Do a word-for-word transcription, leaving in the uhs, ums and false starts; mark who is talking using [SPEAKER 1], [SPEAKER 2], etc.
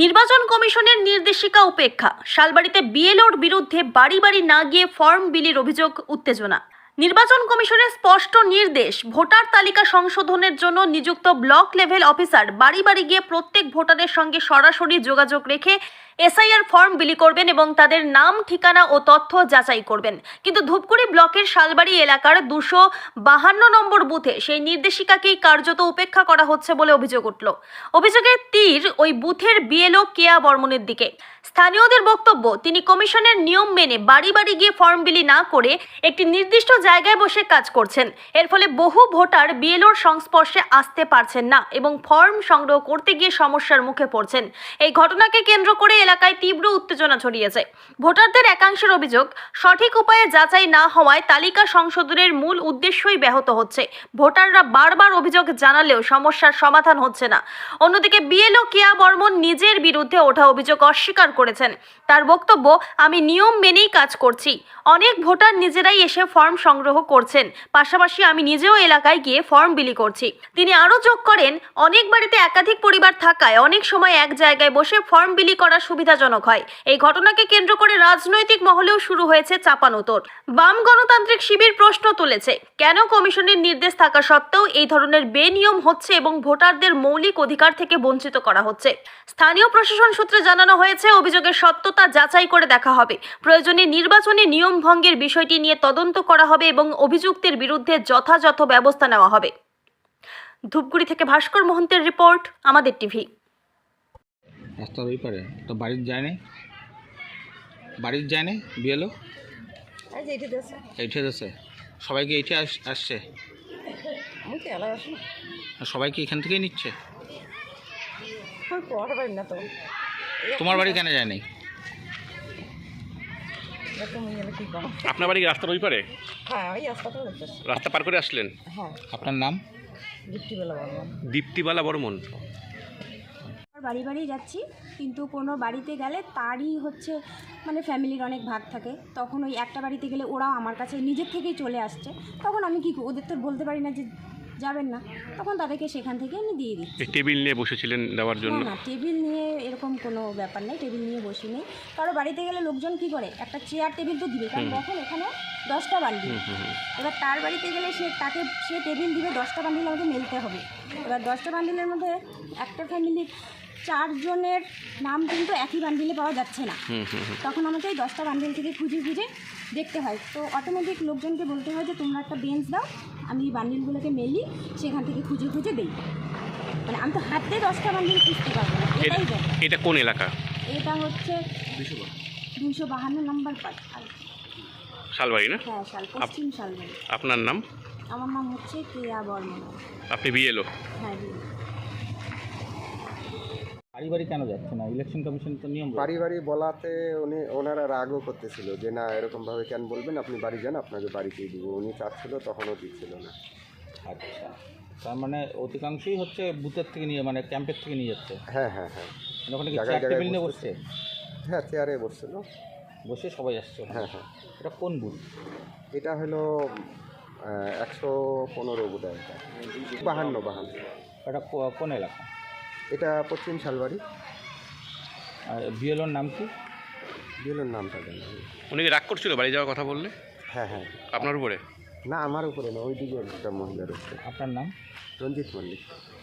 [SPEAKER 1] নির্বাচন কমিশনের নির্দেশিকা উপেক্ষা, শালবাড়িতে বিএলওর বিরুদ্ধে বাড়ি বাড়ি না গিয়ে ফর্ম বিলির অভিযোগ, উত্তেজনা। নির্বাচন কমিশনের স্পষ্ট নির্দেশ, ভোটার তালিকা সংশোধনের জন্য নিযুক্ত ব্লক লেভেল অফিসার বাড়ি বাড়ি গিয়ে প্রত্যেক ভোটারের সঙ্গে সরাসরি যোগাযোগ রেখে এসআইআর ফর্ম বিলি করবেন এবং তাদের নাম, ঠিকানা ও তথ্য যাচাই করবেন। কিন্তু ধূপগুড়ি ব্লকের শালবাড়ি এলাকার দুশো বাহান্ন নম্বর বুথে সেই নির্দেশিকাকেই কার্যত উপেক্ষা করা হচ্ছে বলে অভিযোগ উঠল। অভিযোগের তীর ওই বুথের বিএলও কেয়া বর্মনের দিকে। স্থানীয়দের বক্তব্য, তিনি কমিশনের নিয়ম মেনে বাড়ি বাড়ি গিয়ে ফর্ম বিলি না করে একটি নির্দিষ্ট জায়গায় বসে কাজ করছেন। এর ফলে বহু ভোটার বিএলওর সংস্পর্শে আসতে পারছেন না এবং ফর্ম সংগ্রহ করতে গিয়ে সমস্যার মুখে পড়ছেন। এই ঘটনাকে কেন্দ্র করে এলাকায় তীব্র উত্তেজনা ছড়িয়েছে। ভোটারদের একাংশের অভিযোগ, সঠিক উপায়ে যাচাই না হওয়ায় তালিকা সংশোধনের মূল উদ্দেশ্যই ব্যাহত হচ্ছে। ভোটাররা বারবার অভিযোগ জানালেও সমস্যার সমাধান হচ্ছে না। অন্যদিকে বিএলও কেয়া বর্মন নিজের বিরুদ্ধে ওঠা অভিযোগ অস্বীকার করেছেন। তার বক্তব্য, আমি নিয়ম মেনেই কাজ করছি। অনেক ভোটার নিজেরাই এসে ফর্ম সংগ্রহ করছেন, পাশাপাশি আমি নিজেও এলাকায় গিয়ে ফর্ম বিলি করছি। তিনি আরও যোগ করেন, অনেক বাড়িতে একাধিক পরিবার থাকায় অনেক সময় এক জায়গায় বসে ফর্ম বিলি করা সুবিধাজনক হয়। এই ঘটনাকে কেন্দ্র করে রাজনৈতিক মহলেও শুরু হয়েছে চাপানোতর। বাম গণতান্ত্রিক শিবির প্রশ্ন তুলেছে, কেন কমিশনের নির্দেশ থাকা সত্ত্বেও এই ধরনের বেনিয়ম হচ্ছে এবং ভোটারদের মৌলিক অধিকার থেকে বঞ্চিত করা হচ্ছে। স্থানীয় প্রশাসন সূত্রে জানানো হয়েছে, অভিযোগের সত্যতা যাচাই করে দেখা হবে। প্রয়োজনে নির্বাচনী নিয়ম ভঙ্গের বিষয়টি নিয়ে তদন্ত করা হবে এবং অভিযুক্তের বিরুদ্ধে যথাযথ ব্যবস্থা নেওয়া হবে। ধূপগুড়ি থেকে ভাস্কর মহন্তের রিপোর্ট, আমাদের টিভি।
[SPEAKER 2] রাস্তার ওই পারে তো বাড়ির যায় নাই, বাড়ির যায় নাই বিয়েলো এইঠে দেশে সবাইকে এইঠে আসছে, সবাইকে এখান থেকেই নিচ্ছে। তোমার বাড়ি কেন যায় নাই?
[SPEAKER 3] আপনার বাড়ি রাস্তার ওই পারে?
[SPEAKER 4] হ্যাঁ, ওই রাস্তাটা
[SPEAKER 3] রাস্তা পার করে আসলেন?
[SPEAKER 4] হ্যাঁ।
[SPEAKER 2] আপনার নাম?
[SPEAKER 4] দীপ্তিবালা বর্মন।
[SPEAKER 3] দীপ্তিবালা বর্মন।
[SPEAKER 5] বাড়ি বাড়ি যাচ্ছি, কিন্তু কোনো বাড়িতে গেলে তারই হচ্ছে মানে ফ্যামিলির অনেক ভাগ থাকে, তখন ওই একটা বাড়িতে গেলে ওরাও আমার কাছে নিজের থেকেই চলে আসছে। তখন আমি কি ওদের তো বলতে পারি না যে যাবেন না, তখন তাদেরকে সেখান থেকে আমি দিয়ে দিচ্ছি।
[SPEAKER 3] টেবিল নিয়ে বসেছিলেন দেওয়ার জন্য?
[SPEAKER 5] না না, টেবিল নিয়ে এরকম কোনো ব্যাপার নেই, টেবিল নিয়ে বসি নেই। কারো বাড়িতে গেলে লোকজন কি করে, একটা চেয়ার টেবিল তো দিবে, কারণ দেখেন এখানে দশটা বান্ডিল। এবার তার বাড়িতে গেলে সে তাকে সে টেবিল দিবে, দশটা বান্ডিল আমাকে মেলতে হবে। এবার দশটা বান্ডিলের মধ্যে একটা ফ্যামিলির চারজনের নাম কিন্তু একই বান্ডিলে পাওয়া যাচ্ছে না, তখন আমাকে এই দশটা বান্ডিল থেকে খুঁজে খুঁজে দেখতে হয়। তো অটোমেটিক লোকজনকে বলতে হয় যে তোমরা একটা বেঞ্চ দাও, আমি এই বান্ডিলগুলোকে মেলি, সেখান থেকে খুঁজে খুঁজে দিই। মানে আমি তো হাতে দশটা বান্ডিল খুঁজতে পারবো না। এটাই দেখ।
[SPEAKER 3] এটা কোন এলাকা?
[SPEAKER 5] এটা হচ্ছে দুশো বাহান্ন নম্বর পার্ট,
[SPEAKER 3] শালবাড়ি না?
[SPEAKER 5] হ্যাঁ, শাল পশ্চিম শালবাড়ি।
[SPEAKER 3] আপনার নাম?
[SPEAKER 5] আমার নাম হচ্ছে কেয়া বর্মন।
[SPEAKER 3] আপনি বিএলও?
[SPEAKER 5] হ্যাঁ।
[SPEAKER 2] বাড়ি বাড়ি কেন যাচ্ছে না? ইলেকশন কমিশন তো নিয়ম।
[SPEAKER 6] বাড়ি বাড়ি বলাতে উনি ওনারা রাগও করতেছিল যে না এরকমভাবে কেন বলবেন, আপনি বাড়ি যান, আপনাকে বাড়িতেই দিব। উনি চাচ্ছিল, তখনও দিচ্ছিল না।
[SPEAKER 2] আচ্ছা, তার মানে অধিকাংশই হচ্ছে বুথের থেকে নিয়ে, মানে ক্যাম্পের থেকে নিয়ে যাচ্ছে।
[SPEAKER 6] হ্যাঁ হ্যাঁ হ্যাঁ,
[SPEAKER 2] ওখানে কি
[SPEAKER 6] জায়গায়
[SPEAKER 2] চেয়ার
[SPEAKER 6] জায়গায়
[SPEAKER 2] টেবিল নিয়ে
[SPEAKER 6] বসছে।
[SPEAKER 2] বসছে?
[SPEAKER 6] হ্যাঁ, চেয়ারে বসছিল,
[SPEAKER 2] বসে সবাই আসছে।
[SPEAKER 6] হ্যাঁ হ্যাঁ।
[SPEAKER 2] এটা কোন বুথ?
[SPEAKER 6] এটা হলো একশো পনেরো বোধ হয়, বাহান্ন বাহান্ন।
[SPEAKER 2] এটা কো- কোন এলাকা?
[SPEAKER 6] এটা পশ্চিম শালবাড়ি।
[SPEAKER 2] আর বিএলওর নাম কি?
[SPEAKER 6] বিএলওর নামটা জানি।
[SPEAKER 3] উনি কি রাগ করছিল বাড়ি যাওয়ার কথা বললে?
[SPEAKER 6] হ্যাঁ হ্যাঁ।
[SPEAKER 3] আপনার উপরে?
[SPEAKER 6] না, আমার উপরে না, ওই দিকে একটা মহিলা রয়েছে।
[SPEAKER 2] আপনার নাম?
[SPEAKER 6] রঞ্জিত মল্লিক।